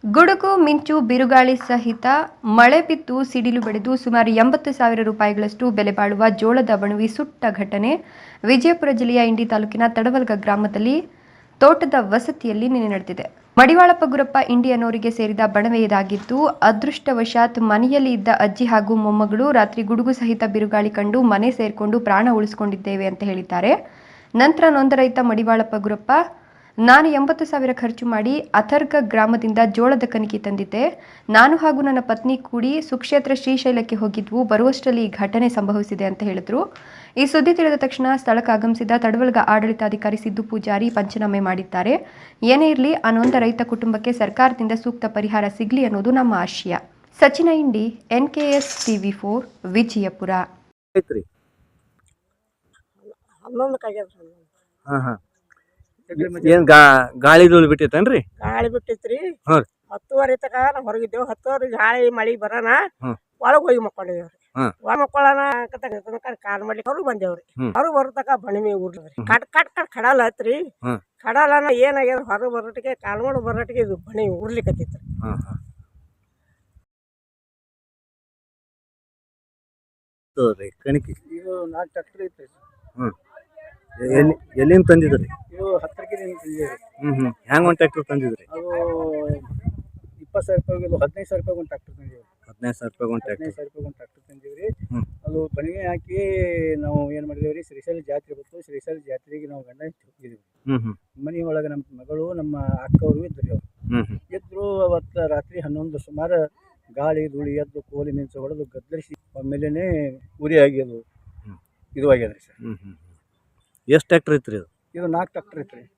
ಗುಡುಗು ಮಿಂಚು ಬಿರುಗಾಳಿ ಸಹಿತ ಮಳೆ ಬಿದ್ದು ಸಿಡಿಲು ಬಡಿದು ಸುಮಾರು 80,000 ರೂಪಾಯಿಗಳಷ್ಟು ಬೆಲೆ ಬಾಳುವ ಜೋಳದ ಬಣವಿ ಸುಟ್ಟ ಘಟನೆ ವಿಜಯಪುರ ಜಿಲ್ಲೆಯ ಇಂಡಿ ತಾಲೂಕಿನ ತಡವಲ್ಗ ಗ್ರಾಮದಲ್ಲಿ ತೋಟದ ವಸತಿಯಲ್ಲಿ ನಿನ್ನೆ ನಡೆದಿದೆ. ಮಡಿವಾಳಪ್ಪ ಗುರಪ್ಪ ಇಂಡಿ ಅನ್ನೋರಿಗೆ ಸೇರಿದ ಬಣವೆ ಇದಾಗಿದ್ದು, ಅದೃಷ್ಟವಶಾತ್ ಮನೆಯಲ್ಲಿ ಇದ್ದ ಅಜ್ಜಿ ಹಾಗೂ ಮೊಮ್ಮಗಳು ರಾತ್ರಿ ಗುಡುಗು ಸಹಿತ ಬಿರುಗಾಳಿ ಕಂಡು ಮನೆ ಸೇರಿಕೊಂಡು ಪ್ರಾಣ ಉಳಿಸಿಕೊಂಡಿದ್ದೇವೆ ಅಂತ ಹೇಳಿದ್ದಾರೆ. ನಂತರ ನೊಂದ ರೈತ ಮಡಿವಾಳಪ್ಪ ಗುರಪ್ಪ, ನಾನು 80,000 ಖರ್ಚು ಮಾಡಿ ಅಥರ್ಗ ಗ್ರಾಮದಿಂದ ಜೋಳದ ಕಣಿಕೆ ತಂದಿದ್ದೆ. ನಾನು ಹಾಗೂ ನನ್ನ ಪತ್ನಿ ಕೂಡಿ ಸುಕ್ಷೇತ್ರ ಶ್ರೀಶೈಲಕ್ಕೆ ಹೋಗಿದ್ವು. ಬರುವಷ್ಟರಲ್ಲಿ ಈ ಘಟನೆ ಸಂಭವಿಸಿದೆ ಅಂತ ಹೇಳಿದ್ರು. ಈ ಸುದ್ದಿ ತಿಳಿದ ತಕ್ಷಣ ಸ್ಥಳಕ್ಕೆ ಆಗಮಿಸಿದ ತಡವಲ್ಗ ಆಡಳಿತಾಧಿಕಾರಿ ಸಿದ್ದು ಪೂಜಾರಿ ಪಂಚನಾಮೆ ಮಾಡಿದ್ದಾರೆ. ಏನೇ ಇರಲಿ, ಆ ನೊಂದ ರೈತ ಕುಟುಂಬಕ್ಕೆ ಸರ್ಕಾರದಿಂದ ಸೂಕ್ತ ಪರಿಹಾರ ಸಿಗಲಿ ಅನ್ನೋದು ನಮ್ಮ ಆಶಯ. ಸಚಿನ ಇಂಡಿ, NKS TV4, ವಿಜಯಪುರ. ಏನ್ ಗಾಳಿ ಧೂಳು ಬಿಟ್ಟಿತ್ತೇನ್ರಿ? ಗಾಳಿ ಬಿಟ್ಟಿತ್ರಿ. 10:30 ತಕ ನಾವು ಹೊರಗಿದ್ದೇವು. 10:30 ಗಾಳಿ ಮಳಿ ಬರೋಣ ಒಳಗ್ ಹೋಗಿ ಮಕ್ಕೊಂಡಿದೇವ್ರಿ. ಒಳಗ್ ಮಕ್ಕೊಳ್ಳೋಣ ಕಾಲ್ ಮಾಡ್ಲಿಕ್ಕೆ ಹೊರಗ್ ಬಂದೇವ್ರಿ. ಹೊರಗ್ ಬರತಕ ಬಣಿಮೆ ಉರ್ಲದ್ರಿ. ಕಟ್ ಕಟ್ ಕಟ್ ಕಡಲ್ ಹತ್ರಿ. ಕಡಲನ ಏನಾಗ್ಯದ ಹೊರಗ್ ಬರೋಟಿಗೆ ಕಾಲ್ ಮಾಡು ಬರೋಟಿಗೆ ಇದು ಬಣಿ ಉರ್ಲಿಕ್ಕತ್ತಿತ್ರಿ. ಕಣಿಕೆ ಇದು 4 ಟ್ರ್ಯಾಕ್ಟರ್ ಐತ್ರಿ. ಎಲ್ಲಿಂದ ತಂದಿದ್ರಿ? ಇದು 10 ತಂದಿದ್ರಿ. ಹೆಂಗ್ ಒಂದ್ ಟ್ರ್ಯಾಕ್ಟರ್ ತಂದಿದ್ರಿ? ಅದು 20,000 ರೂಪಾಯಿ, 15,000 ರೂಪಾಯಿ ಒಂದು ಟ್ರ್ಯಾಕ್ಟರ್ ತಂದಿದ್ರಿ. 15,000 ರೂಪಾಯಿ ಒಂದು ಟ್ರ್ಯಾಕ್ಟರ್ ತಂದಿವ್ರಿ. ಅದು ಬಣಿಗೆ ಹಾಕಿ ನಾವು ಏನ್ ಮಾಡಿದೇವ್ರಿ, ಶ್ರೀಶೈಲ ಜಾತ್ರೆ ಬಂತು. ಶ್ರೀಶೈಲ ಜಾತ್ರೆಗೆ ನಾವು ಗಂಡ ಹೋಗಿದ್ವಿ. ಮನಿ ಒಳಗೆ ನಮ್ಮ ಮಗಳು ನಮ್ಮ ಅಕ್ಕವರು ಇದ್ರಿ. ಅವ್ರು ಇದ್ರು. ಅವತ್ತು ರಾತ್ರಿ 11 ಸುಮಾರು ಗಾಳಿ ಧೂಳಿ ಎದ್ದು ಕೋಲಿ ಮಿಂಚು ಹೊಡೆದು ಗದ್ದರಿಸಿ ಆಮೇಲೆ ಉರಿ ಆಗ್ಯದು. ಇದು ಆಗ್ಯದ್ರಿ ಸರ್. ಎಷ್ಟು ಟ್ರ್ಯಾಕ್ಟರ್ ಐತ್ರಿ? ಇದು 4 ಟ್ರ್ಯಾಕ್ಟರ್ ಐತ್ರಿ.